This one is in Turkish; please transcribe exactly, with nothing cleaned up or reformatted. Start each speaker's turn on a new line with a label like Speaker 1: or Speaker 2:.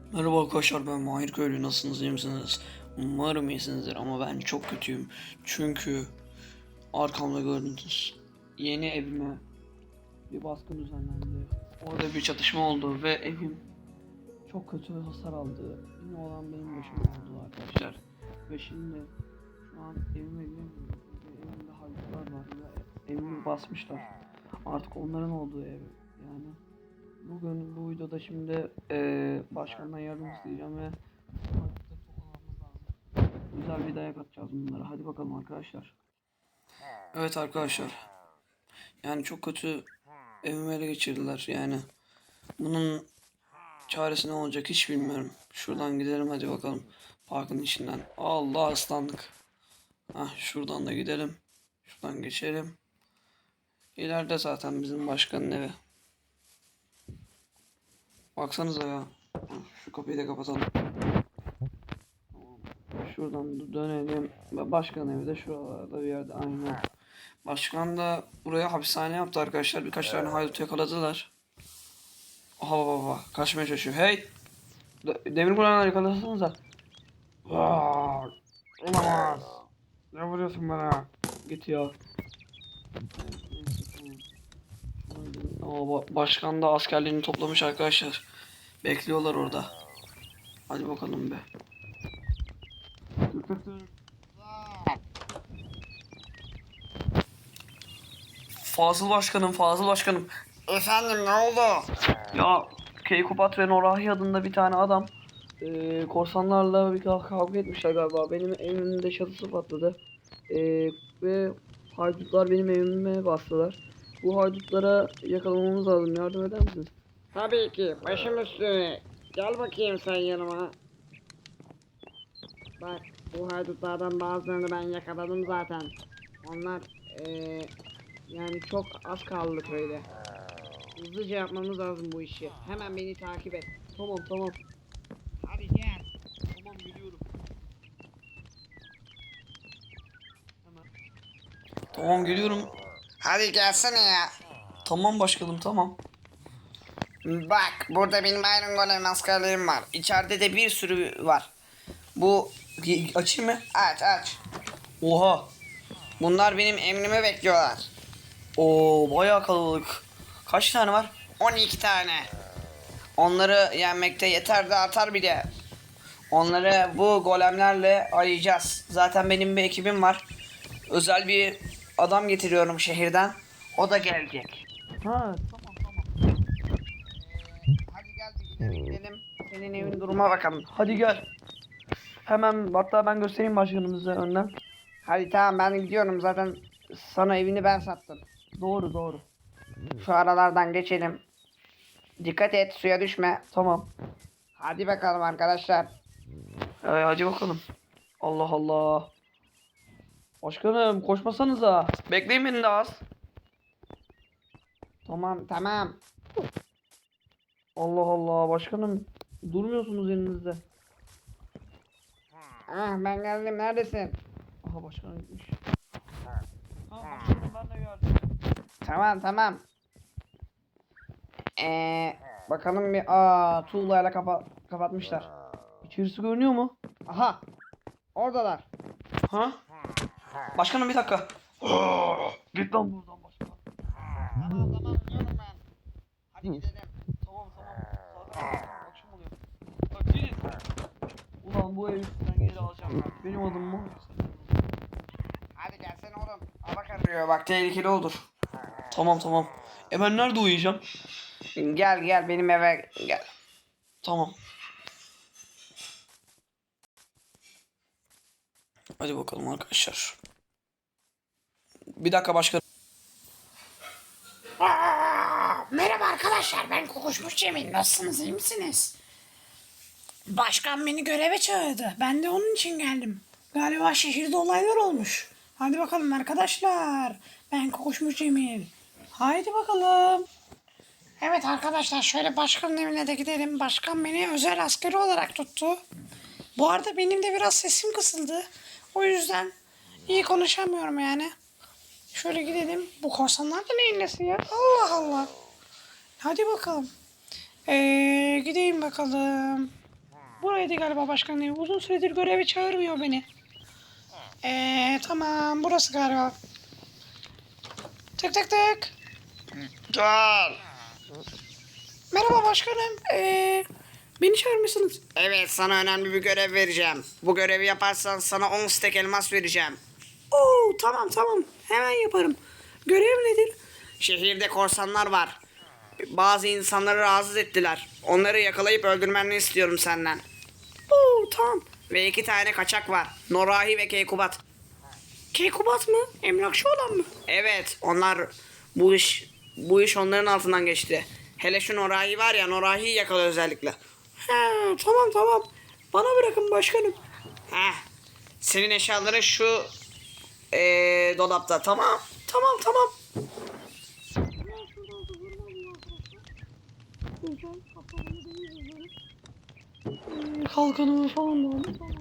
Speaker 1: Merhaba arkadaşlar, ben Mahir Köylü. Nasılsınız, iyi misiniz? Umarım iyisinizdir ama ben çok kötüyüm. Çünkü arkamda gördüğünüz yeni evime bir baskın düzenlendi. Orada bir çatışma oldu ve evim çok kötü hasar aldı. Yine olan benim başıma oldu arkadaşlar. Ve şimdi şu an evime giremiyorum. Çünkü evimde haydutlar var ve evimi basmışlar. Artık onların olduğu ev yani. Bugün bu videoda şimdi eee başkandan yardım isteyeceğim ve güzel bir dayak atacağız bunlara. Hadi bakalım arkadaşlar. Evet arkadaşlar. Yani çok kötü evimi ele geçirdiler yani. Bunun çaresi ne olacak hiç bilmiyorum. Şuradan gidelim hadi bakalım. Parkın içinden. Allah ıslandık. Hah, şuradan da gidelim. Şuradan geçelim. İleride zaten bizim başkanın evi. Baksanıza ya. Şu kapıyı da kapatalım. Şuradan dönelim. Başkan evi de şuralarda bir yerde. Aynen. Başkan da buraya hapishane yaptı arkadaşlar. Birkaç tane haydut yakaladılar. Aha baba baba. Kaçmaya çalışıyor. Hey! De- Demir kulağına yakalasanıza. Aa, olamaz. Ne vuruyorsun bana? Git ya. Aa, başkan da askerlerini toplamış arkadaşlar. Bekliyorlar orada. Hadi bakalım be. Fazıl başkanım, Fazıl başkanım.
Speaker 2: Efendim ne oldu?
Speaker 1: Ya Keikopat ve Norahi adında bir tane adam eee, korsanlarla bir kav- kavga etmişler galiba. Benim evimin de çatısı patladı. Eee, ve haydutlar benim evime bastılar. Bu haydutlara yakalamamız lazım. Yardım eder misiniz?
Speaker 2: Tabii ki başım üstüne. Gel bakayım sen yanıma. Bak bu haydutlardan bazılarını ben yakaladım zaten. Onlar eee, yani çok az kaldı köyde. Hızlıca yapmamız lazım bu işi. Hemen beni takip et.
Speaker 1: Tamam tamam.
Speaker 2: Hadi gel.
Speaker 1: Tamam gidiyorum. Hemen. Tamam geliyorum.
Speaker 2: Hadi gelsene ya.
Speaker 1: Tamam başkanım tamam.
Speaker 2: Bak burada benim Iron Golem askerlerim var. İçeride de bir sürü var. Bu
Speaker 1: Ge- Açayım mı?
Speaker 2: aç aç.
Speaker 1: Oha.
Speaker 2: Bunlar benim emrimi bekliyorlar.
Speaker 1: Oo bayağı kalabalık. Kaç tane var?
Speaker 2: on iki tane. Onları yenmekte yeter de artar bile. Onları bu golemlerle arayacağız. Zaten benim bir ekibim var. Özel bir adam getiriyorum şehirden. O da gelecek.
Speaker 1: Ha tamam tamam.
Speaker 2: Hadi gel bir gidelim gidelim. Senin evin duruma bakalım.
Speaker 1: Hadi gel. Hemen hatta ben göstereyim başkanımıza önden.
Speaker 2: Hadi tamam ben gidiyorum zaten sana evini ben sattım.
Speaker 1: Doğru doğru.
Speaker 2: Şu aralardan geçelim. Dikkat et suya düşme.
Speaker 1: Tamam.
Speaker 2: Hadi bakalım arkadaşlar.
Speaker 1: Ee, hadi bakalım. Allah Allah. Başkanım koşmasanıza. Bekleyin beni de az.
Speaker 2: Tamam tamam.
Speaker 1: Allah Allah başkanım. Durmuyorsunuz yerinizde.
Speaker 2: Ah ben geldim neredesin?
Speaker 1: Aha başkanım gitmiş. Ha başkanım ben de geldim.
Speaker 2: Tamam tamam. Ee, bakalım bir aa tuğlayla kapa kapatmışlar.
Speaker 1: İçerisi görünüyor mu?
Speaker 2: Aha oradalar.
Speaker 1: Ha? Başkanım bir dakika. Git lan buradan başkanım.
Speaker 2: Tamam tamam gidiyorum ben. Hadi gidelim.
Speaker 1: Tamam tamam. Zaten akşam oluyor. Bak gelin. Ulan bu evi sizden geri alacağım. Benim adım mı?
Speaker 2: Hadi gelsene oğlum. Hava kararıyor bak tehlikeli olur.
Speaker 1: Tamam tamam. E ben nerede uyuyacağım?
Speaker 2: Gel gel benim eve gel.
Speaker 1: Tamam. Hadi bakalım arkadaşlar. Bir dakika başkanım.
Speaker 3: Aa, merhaba arkadaşlar, ben Kokuşmuş Cemil. Nasılsınız, iyi misiniz? Başkan beni göreve çağırdı. Ben de onun için geldim. Galiba şehirde olaylar olmuş. Hadi bakalım arkadaşlar. Ben Kokuşmuş Cemil. Haydi bakalım. Evet arkadaşlar, şöyle başkanın evine de gidelim. Başkan beni özel askeri olarak tuttu. Bu arada benim de biraz sesim kısıldı. O yüzden iyi konuşamıyorum yani. Şöyle gidelim. Bu korsanlar da neyin nesi ya? Allah Allah. Hadi bakalım. Ee, gideyim bakalım. Buraydı galiba başkanın evi. Uzun süredir göreve çağırmıyor beni. Eee tamam burası galiba. Tık tık tık.
Speaker 2: Gel.
Speaker 3: Merhaba başkanım. Eee beni çağırmışsınız.
Speaker 2: Evet, sana önemli bir görev vereceğim. Bu görevi yaparsan sana on stek elmas vereceğim.
Speaker 3: Oo tamam tamam hemen yaparım. Görev nedir?
Speaker 2: Şehirde korsanlar var. Bazı insanları rahatsız ettiler. Onları yakalayıp öldürmeni istiyorum senden.
Speaker 3: Oo tamam.
Speaker 2: Ve iki tane kaçak var. Norahi ve Keykubat.
Speaker 3: Keykubat mı? Emlakçı olan mı?
Speaker 2: Evet, onlar bu iş bu iş onların altından geçti. Hele şu Norahi var ya, Norahi'yi yakala özellikle.
Speaker 3: He tamam tamam. Bana bırakın başkanım.
Speaker 2: Heh. Senin eşyaların şu ee, dolapta, tamam.
Speaker 3: Tamam tamam. Kalkanımı falan da aldım.